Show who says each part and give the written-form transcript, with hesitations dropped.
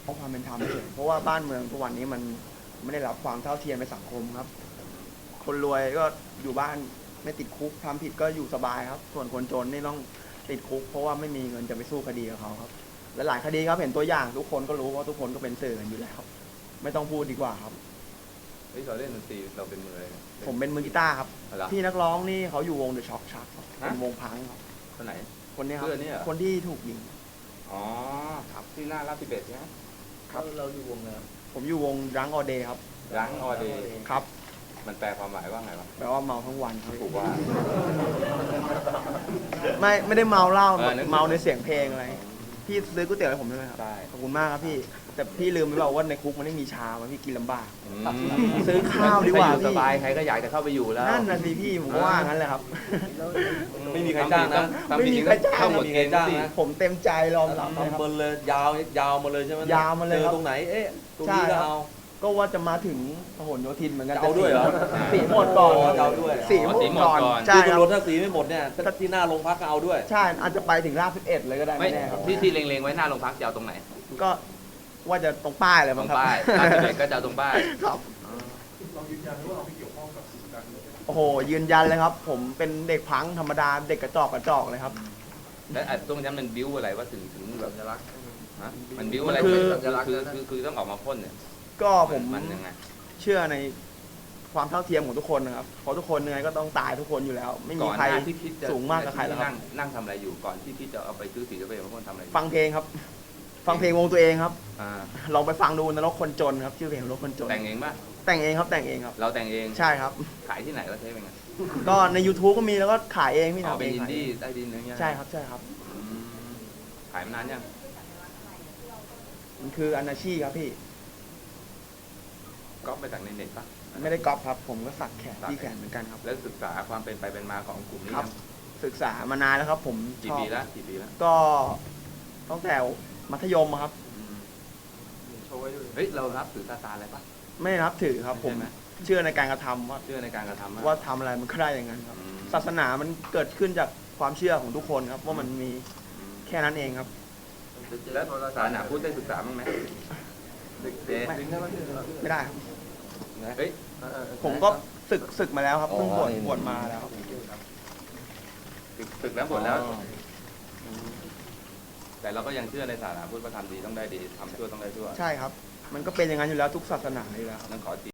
Speaker 1: ราะความเป็นธรรมเฉยเพราะว่าบ้านเมืองทุกวันนี้มันไม่ได้รับความเท่าเทียมในสังคมครับคนรวยก็อยู่บ้านไม่ติดคุกทำผิดก็อยู่สบายครับส่วนคนจนนี่ต้องติดคุกเพราะว่าไม่มีเงินจะไปสู้คดีกับเขาครับและหลายคดีครับเห็นตัวอย่างทุกคนก็รู้ว่าทุกคนก็เป็นสื่อกันอยู่แล้วไม่ต้องพูดดีกว่าครับ
Speaker 2: เราเล่นดนตรีเราเป็นมืออะไร
Speaker 1: ผมเป็นมือกีตาร์ครับพี่นักร้องนี่เขาอยู่วงเดอะช็อคชักเป็นวงพังครับ
Speaker 2: คนไหน
Speaker 1: คนนี้ครับคนที่ถูกยิง
Speaker 2: อ๋อครับที่หน้าลาด11ใช่ไหม
Speaker 1: ครับ
Speaker 3: เราอยู่วงแล้ว
Speaker 1: ผมอยู่วงรังออเดย์ครับ
Speaker 2: รังออเดย์
Speaker 1: ครับ
Speaker 2: มันแปลความหมายว่าไงวะ
Speaker 1: แปลว่าเมาทั้งวันครับ
Speaker 2: ถูกว่า
Speaker 1: ไม่ได้เมาเหล้าเมาในเสียงเพลงอะไรพี่ซื้อก๋วยเตี๋ยวให้ผมด้วยครับ
Speaker 2: ใช่
Speaker 1: ขอบคุณมากครับพี่แต่พี่ลืมไปบอกว่าในคุกมันไม่มีชาพี่กินลำบากซื้อข้าวดีกว่า
Speaker 2: พี่สบายใครก็อยากจะเข้าไปอยู่แล้ว
Speaker 1: นั่นน่ะสิพี่ผมว่างั้นแหละครับ
Speaker 3: ไม่มีใครจ้างนะ
Speaker 1: ไม่มีใครจ้าง
Speaker 3: ไม่มีใครจ้างนะ
Speaker 1: ผมเต็มใจรอรับเลยครับ
Speaker 3: เลยยาวมาเลยใช่ไหม
Speaker 1: ยาวมาเลย
Speaker 3: ตรงไหนตรงนี้ก็เอา
Speaker 1: ก็ว่าจะมาถึงพหลโยธินเหมือนกัน
Speaker 3: เอาด้วยเหรอ
Speaker 1: สีหมดก่อน
Speaker 3: เอาด้วย
Speaker 1: สีหมดก่อน
Speaker 3: ใช่ครับรถถ้าสีไม่หมดเนี่ยถ้าที่หน้าโรงพักก็เอาด้วย
Speaker 1: ใช่อาจจะไปถึงราช11เลยก็ได้ไม่แน่ครับ
Speaker 2: ที่เล็งๆไว้หน้าโรงพักจะเอาตรงไหน
Speaker 1: ก็ว่าจะตรงป้ายเลยมั้งครับ
Speaker 2: ป้ายราช11ก็จะเอาตรงป้าย
Speaker 1: ครับเรายืนยันว่าเราไม่เกี่ยวข้องกับการโอ้โหยืนยันเลยครับผมเป็นเด็กพังธรรมดาเด็กกระจอกเลยครับ
Speaker 2: แล้วตรงนั้นมันบิ้วอะไรว่าถึงแบบจะรักมันบิ้วอะไรคือต้องออกมาพ่นเนี่ย
Speaker 1: ก็ผม
Speaker 2: มันยังไง
Speaker 1: เชื่อในความเท่าเทียมของทุกคนนะครับเพราะทุกคนยังไงก็ต้องตายทุกคนอยู่แล้วไม่มีใครสูงมากกับใครแล้วครับ
Speaker 2: นั่งทำอะไรอยู่ก่อนที่จะเอาไปซื้อสีไปมาพ่นทำอะไร
Speaker 1: ฟังเพลงครับฟังเพลงวงตัวเองครับลองไปฟังดูนรกคนจนครับชื่อเพลงนรกคนจน
Speaker 2: แต่งเองป่ะ
Speaker 1: แต่งเองครับแต่งเองครับ
Speaker 2: เราแต่งเอง
Speaker 1: ใช่ครับ
Speaker 2: ขายที่ไหนก็ใช้เป็นไง
Speaker 1: ก็ใน YouTube ก็มีแล้วก็ขายเองพี่ทำ
Speaker 2: เองเป็นอินดี้ใต้ดินอะไรเงี้ย
Speaker 1: ใช่ครับใช่ครับ
Speaker 2: ขายมานานยัง
Speaker 1: มันคืออนาชีครับพี่
Speaker 2: ก๊อปไปจากในเน็ตปะ
Speaker 1: ไม่ได้ก๊อปครับผมก็สักแขนที่แขนเหมือนกันครับ
Speaker 2: แล้วศึกษาความเป็นไปเป็นมาของกลุ่มนี้ครับ
Speaker 1: ศึกษามานานแล้วครับผม
Speaker 2: กี่ปีแล้ว
Speaker 1: ก็ตั้งแต่มัธยมครับ
Speaker 2: เฮ้ยเรารับถือซาตานอะไรปะ
Speaker 1: ไม่รับถือครับผมเชื่อในการกระทำว่าทำอะไรมันก็ได้อย่างนั้นครับศาสนามันเกิดขึ้นจากความเชื่อของทุกคนครับว่ามันมีแค่นั้นเองครับ
Speaker 2: แล้วศาสนาพุทธได้ศึกษาบ้างไหม
Speaker 1: ไม่ได้ครับเฮ้ยผมก็ศึกมาแล้วครับเพิ่งบวชมาแล้ว
Speaker 2: ศึกแล้วบวชแล้วแต่เราก็ยังเชื่อในศาสนาพุทธว่าทำดีต้องได้ดีทำชั่วต้องได้ชั่ว
Speaker 1: ใช่ครับมันก็เป็นอย่างนั้นอยู่แล้วทุกศาสนาอยู่แล้ว
Speaker 2: นั่นขอ